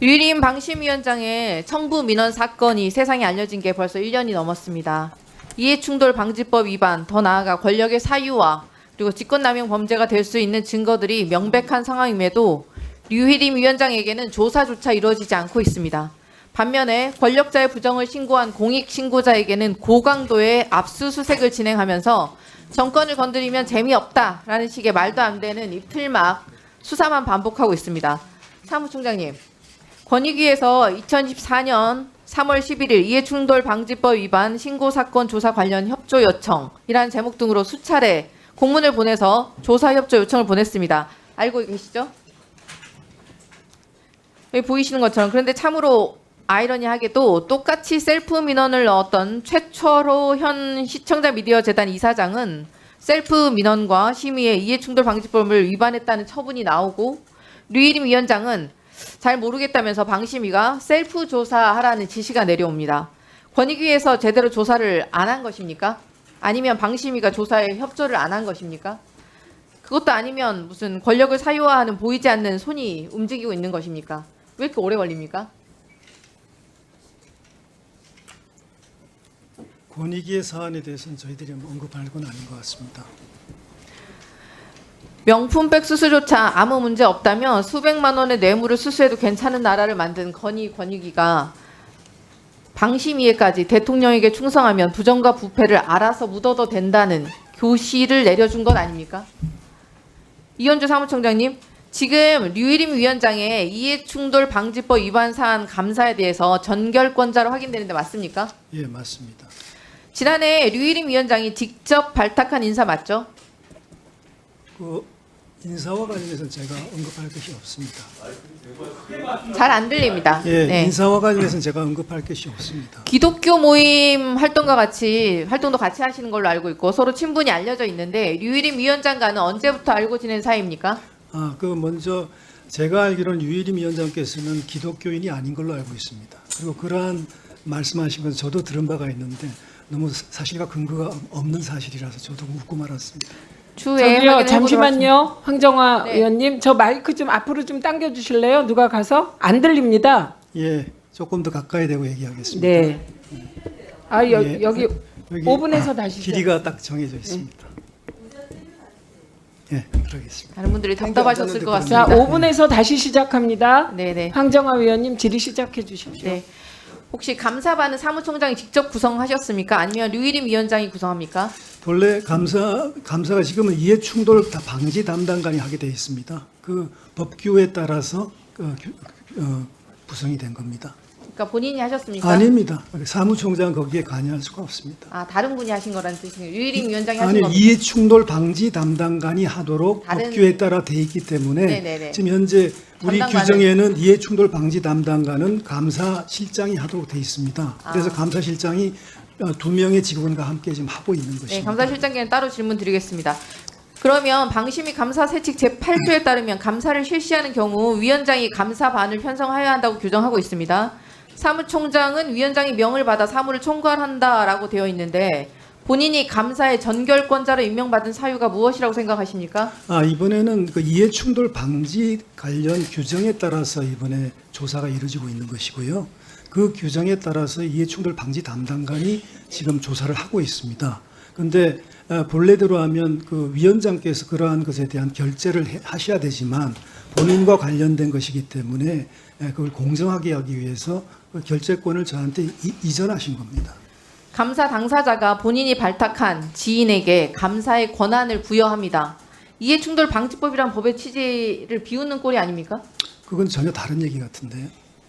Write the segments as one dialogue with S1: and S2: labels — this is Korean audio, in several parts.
S1: 류일임 방심위원장의 청부 민원 사건이 세상에 알려진 게 벌써 1년이 넘었습니다. 이해충돌 방지법 위반, 더 나아가 권력의 사유와 그리고 직권남용 범죄가 될 수 있는 증거들이 명백한 상황임에도 류일임 위원장에게는 조사조차 이루어지지 않고 있습니다. 반면에 권력자의 부정을 신고한 공익신고자에게는 고강도의 압수수색을 진행하면서 정권을 건드리면 재미없다라는 식의 말도 안 되는 이 틀막 수사만 반복하고 있습니다. 사무총장님, 권익위에서 2014년 3월 11일 이해충돌 방지법 위반 신고사건 조사 관련 협조 요청이라는 제목 등으로 수차례 공문을 보내서 조사 협조 요청을 보냈습니다. 알고 계시죠? 여기 보이시는 것처럼. 그런데 참으로 아이러니하게도 똑같이 셀프 민원을 넣었던 최철호 현 시청자 미디어 재단 이사장은 셀프 민원과 심의의 이해충돌 방지법을 위반했다는 처분이 나오고 류일임 위원장은 잘 모르겠다면서 방심위가 셀프 조사하라는 지시가 내려옵니다. 권익위에서 제대로 조사를 안 한 것입니까? 아니면 방심위가 조사에 협조를 안 한 것입니까? 그것도 아니면 무슨 권력을 사유화하는 보이지 않는 손이 움직이고 있는 것입니까? 왜 이렇게 오래 걸립니까?
S2: 권익위의 사안에 대해서는 저희들이 언급할 건 아닌 것 같습니다.
S1: 명품백 수수조차 아무 문제 없다면 수백만 원의 뇌물을 수수해도 괜찮은 나라를 만든 권익위가 방심위에까지 대통령에게 충성하면 부정과 부패를 알아서 묻어도 된다는 교시를 내려준 것 아닙니까? 이현주 사무총장님, 지금 류일임 위원장의 이해충돌 방지법 위반 사안 감사에 대해서 전결권자로 확인되는데 맞습니까?
S2: 예, 맞습니다.
S1: 지난해 류일임 위원장이 직접 발탁한 인사 맞죠?
S2: 그 인사와 관련해서는 제가 언급할 것이 없습니다.
S1: 잘 안 들립니다.
S2: 예,
S1: 네.
S2: 인사와 관련해서는 제가 언급할 것이 없습니다.
S1: 기독교 모임 활동도 같이 하시는 걸로 알고 있고 서로 친분이 알려져 있는데 류일임 위원장과는 언제부터 알고 지낸 사이입니까?
S2: 그 먼저 제가 알기로는 유일임 위원장께서는 기독교인이 아닌 걸로 알고 있습니다. 그리고 그러한 말씀하신 건 저도 들은 바가 있는데 너무 사실과 근거가 없는 사실이라서 저도 묻고 말았습니다.
S1: 추후에
S3: 저기요, 잠시만요. 황정화
S1: 네.
S3: 의원님, 저 마이크 좀 앞으로 좀 당겨 주실래요? 누가 가서 안 들립니다.
S2: 예, 조금 더 가까이 대고 얘기하겠습니다.
S3: 네.
S2: 예,
S3: 여기 5분에서 다시
S2: 길이가 딱 정해져 있습니다. 예, 그러겠습니다.
S1: 다른 분들이 답답하셨을 것
S3: 자,
S1: 같습니다.
S3: 5분에서 다시 시작합니다.
S1: 네네.
S3: 황정화 의원님 질의 시작해 주십시오.
S1: 네. 혹시 감사반은 사무총장이 직접 구성하셨습니까? 아니면 류일임 위원장이 구성합니까?
S2: 본래 감사가 지금은 이해충돌 방지 담당관이 하게 돼 있습니다. 그 법규에 따라서 구성이 된 겁니다.
S1: 그러니까 본인이 하셨습니까?
S2: 아닙니다. 사무총장은 거기에 관여할 수가 없습니다.
S1: 아, 다른 분이 하신 거라는 뜻이네요. 류일임 위원장이 하신
S2: 아니,
S1: 겁니까?
S2: 이해충돌 방지 담당관이 하도록
S1: 다른-
S2: 법규에 따라 돼 있기 때문에
S1: 네네네.
S2: 지금 현재 우리
S1: 담당관은-
S2: 규정에는 이해충돌 방지 담당관은 감사실장이 하도록 돼 있습니다. 그래서 감사실장이 2명의 직원과 함께 지금 하고 있는 것입니다.
S1: 네, 감사실장께는 따로 질문 드리겠습니다. 그러면 방심위 감사 세칙 제8조에 따르면 감사를 실시하는 경우 위원장이 감사반을 편성하여야 한다고 규정하고 있습니다. 사무총장은 위원장이 명을 받아 사무를 총괄한다라고 되어 있는데 본인이 감사의 전결권자로 임명받은 사유가 무엇이라고 생각하십니까?
S2: 이번에는 그 이해충돌 방지 관련 규정에 따라서 이번에 조사가 이루어지고 있는 것이고요. 그 규정에 따라서 이해충돌 방지 담당관이 지금 조사를 하고 있습니다. 그런데 본래대로 하면 그 위원장께서 그러한 것에 대한 결재를 하셔야 되지만 본인과 관련된 것이기 때문에 그걸 공정하게 하기 위해서 그 결재권을 저한테 이전하신 겁니다.
S1: 감사 당사자가 본인이 발탁한 지인에게 감사의 권한을 부여합니다. 이해충돌 방지법이란 법의 취지를 비웃는 꼴이 아닙니까?
S2: 그건 전혀 다른 얘기 같은데요.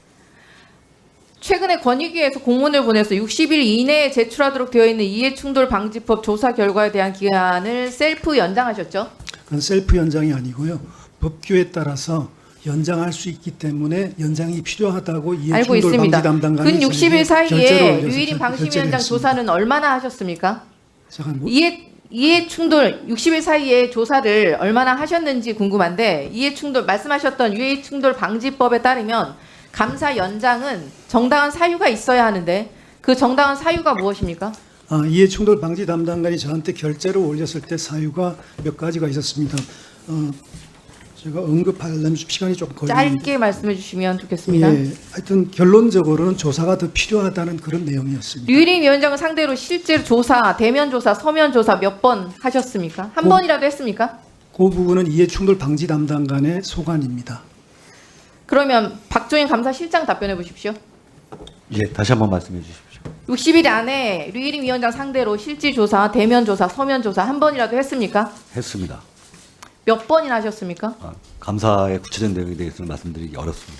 S1: 최근에 권익위에서 공문을 보내서 60일 이내에 제출하도록 되어 있는 이해충돌 방지법 조사 결과에 대한 기한을 셀프 연장하셨죠?
S2: 그건 셀프 연장이 아니고요. 법규에 따라서 연장할 수 있기 때문에 연장이 필요하다고
S1: 알고
S2: 이해충돌
S1: 있습니다.
S2: 방지 담당관이
S1: 근 60일
S2: 결재를
S1: 사이에
S2: 올려서
S1: 류일임
S2: 결재를
S1: 방심위원장
S2: 했습니다.
S1: 조사는 얼마나 하셨습니까?
S2: 잠깐
S1: 이해충돌 60일 사이에 조사를 얼마나 하셨는지 궁금한데 이해충돌 말씀하셨던 이해충돌 방지법에 따르면 감사 연장은 정당한 사유가 있어야 하는데 그 정당한 사유가 무엇입니까?
S2: 이해충돌 방지 담당관이 저한테 결재를 올렸을 때 사유가 몇 가지가 있었습니다. 제가 언급하려면 좀 시간이 좀 걸리는데
S1: 짧게 말씀해 주시면 좋겠습니다.
S2: 예, 하여튼 결론적으로는 조사가 더 필요하다는 그런 내용이었습니다.
S1: 류일임 위원장을 상대로 실제로 조사, 대면 조사, 서면 조사 몇 번 하셨습니까? 한 번이라도 했습니까?
S2: 그 부분은 이해충돌 방지 담당관의 소관입니다.
S1: 그러면 박종인 감사실장 답변해 보십시오.
S4: 예, 다시 한번 말씀해 주십시오.
S1: 60일 안에 류일임 위원장 상대로 실질 조사, 대면 조사, 서면 조사 한 번이라도 했습니까?
S4: 했습니다.
S1: 몇 번이나 하셨습니까?
S4: 감사의 구체적인 내용에 대해서는 말씀드리기 어렵습니다.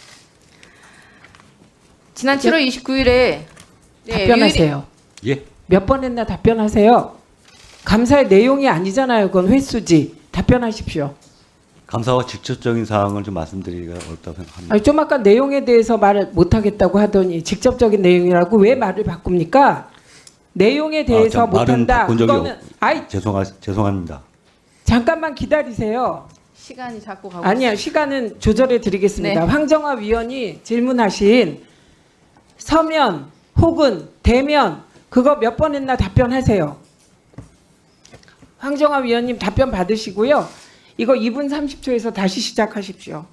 S1: 지난 7월 29일에
S3: 답변하세요.
S4: 예,
S3: 몇 번 했나 답변하세요. 감사의 내용이 아니잖아요. 그건 횟수지. 답변하십시오.
S4: 감사와 직접적인 사항을 좀 말씀드리기가 어렵다고 생각합니다.
S3: 아니, 좀 아까 내용에 대해서 말을 못하겠다고 하더니 직접적인 내용이라고 왜 말을 바꿉니까? 내용에 대해서
S4: 말은
S3: 못한다.
S4: 바꾼 적이
S3: 그거는 아이
S4: 죄송합니다.
S3: 잠깐만 기다리세요.
S1: 시간이 자꾸 가고
S3: 아니야, 시간은 조절해 드리겠습니다.
S1: 네.
S3: 황정화 위원이 질문하신 서면 혹은 대면 그거 몇 번 했나 답변하세요. 황정화 위원님 답변 받으시고요. 이거 2분 30초에서 다시 시작하십시오.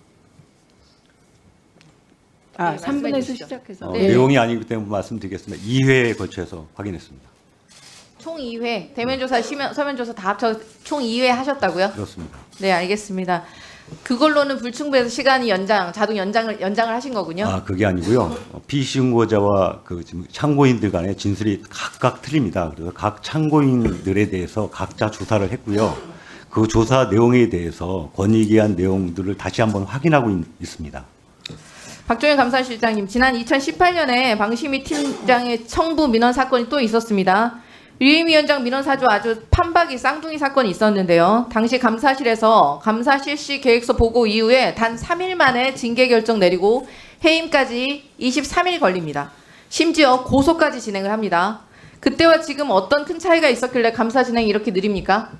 S3: 아,
S1: 네, 말씀해
S3: 3분에서
S1: 주시죠.
S3: 시작해서.
S1: 네.
S4: 내용이 아니기 때문에 말씀드리겠습니다. 2회에 걸쳐서 확인했습니다.
S1: 총 2회, 대면 조사, 서면 조사 다 합쳐 총 2회 하셨다고요?
S4: 그렇습니다.
S1: 네, 알겠습니다. 그걸로는 불충분해서 시간이 자동 연장을 하신 거군요.
S4: 그게 아니고요. 피신고자와 그 지금 참고인들 간의 진술이 각각 틀립니다. 그래서 각 참고인들에 대해서 각자 조사를 했고요. 그 조사 내용에 대해서 권익위한 내용들을 다시 한번 확인하고 있습니다.
S1: 박종현 감사실장님, 지난 2018년에 방심위 팀장의 청부 민원 사건이 또 있었습니다. 류임 위원장 민원 사주 아주 판박이 쌍둥이 사건이 있었는데요. 당시 감사실에서 감사 실시 계획서 보고 이후에 단 3일 만에 징계 결정 내리고 해임까지 23일 걸립니다. 심지어 고소까지 진행을 합니다. 그때와 지금 어떤 큰 차이가 있었길래 감사 진행이 이렇게 느립니까?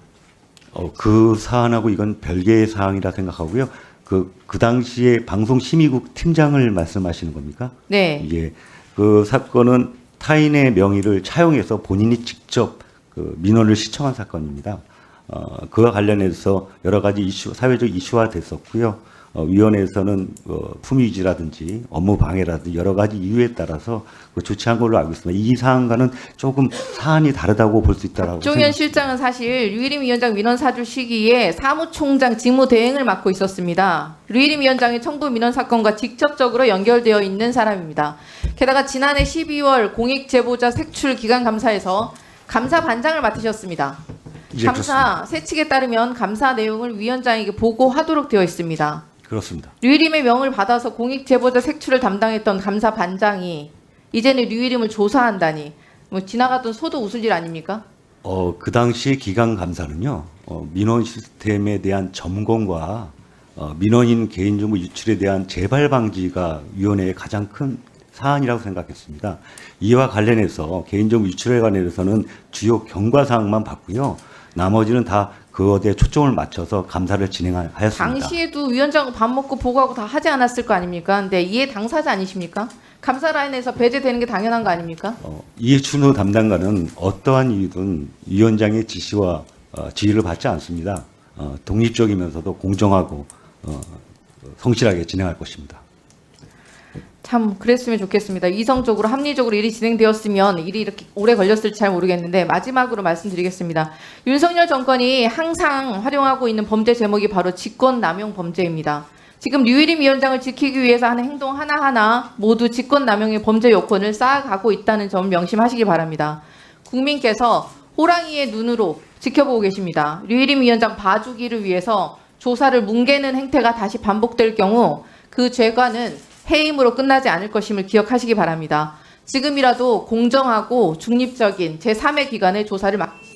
S4: 그 사안하고 이건 별개의 사항이라 생각하고요. 그 당시에 방송심의국 팀장을 말씀하시는 겁니까?
S1: 네.
S4: 예. 그 사건은 타인의 명의를 차용해서 본인이 직접 그 민원을 시청한 사건입니다. 그와 관련해서 여러 가지 이슈, 사회적 이슈화 됐었고요. 위원회에서는 품위유지라든지 업무 방해라든지 여러 가지 이유에 따라서 조치한 걸로 알고 있습니다. 이 사안과는 조금 사안이 다르다고 볼 수 있다라고
S1: 박종현 실장은 사실 류일임 위원장 민원 사주 시기에 사무총장 직무 대행을 맡고 있었습니다. 류일임 위원장의 청부 민원 사건과 직접적으로 연결되어 있는 사람입니다. 게다가 지난해 12월 공익제보자 색출 기간 감사에서 감사 반장을 맡으셨습니다.
S4: 예,
S1: 감사 세칙에 따르면 감사 내용을 위원장에게 보고하도록 되어 있습니다.
S4: 그렇습니다.
S1: 류일임의 명을 받아서 공익제보자 색출을 담당했던 감사 반장이 이제는 류일임을 조사한다니 뭐 지나가던 소도 웃을 일 아닙니까?
S4: 그 당시 기강 감사는요, 민원 시스템에 대한 점검과 민원인 개인정보 유출에 대한 재발 방지가 위원회의 가장 큰 사안이라고 생각했습니다. 이와 관련해서 개인정보 유출에 관해서는 주요 경과 사항만 봤고요. 나머지는 다 그것에 초점을 맞춰서 감사를 진행하였습니다.
S1: 당시에도 위원장과 밥 먹고 보고하고 다 하지 않았을 거 아닙니까? 근데 이해 당사자 아니십니까? 감사 라인에서 배제되는 게 당연한 거 아닙니까?
S4: 이해춘호 담당관은 어떠한 이유든 위원장의 지시와 지휘를 받지 않습니다. 독립적이면서도 공정하고 성실하게 진행할 것입니다.
S1: 참 그랬으면 좋겠습니다. 이성적으로 합리적으로 일이 진행되었으면 일이 이렇게 오래 걸렸을지 잘 모르겠는데 마지막으로 말씀드리겠습니다. 윤석열 정권이 항상 활용하고 있는 범죄 제목이 바로 직권남용 범죄입니다. 지금 류일임 위원장을 지키기 위해서 하는 행동 하나하나 모두 직권남용의 범죄 요건을 쌓아가고 있다는 점 명심하시기 바랍니다. 국민께서 호랑이의 눈으로 지켜보고 계십니다. 류일임 위원장 봐주기를 위해서 조사를 뭉개는 행태가 다시 반복될 경우 그 죄과는 해임으로 끝나지 않을 것임을 기억하시기 바랍니다. 지금이라도 공정하고 중립적인 제3의 기관의 조사를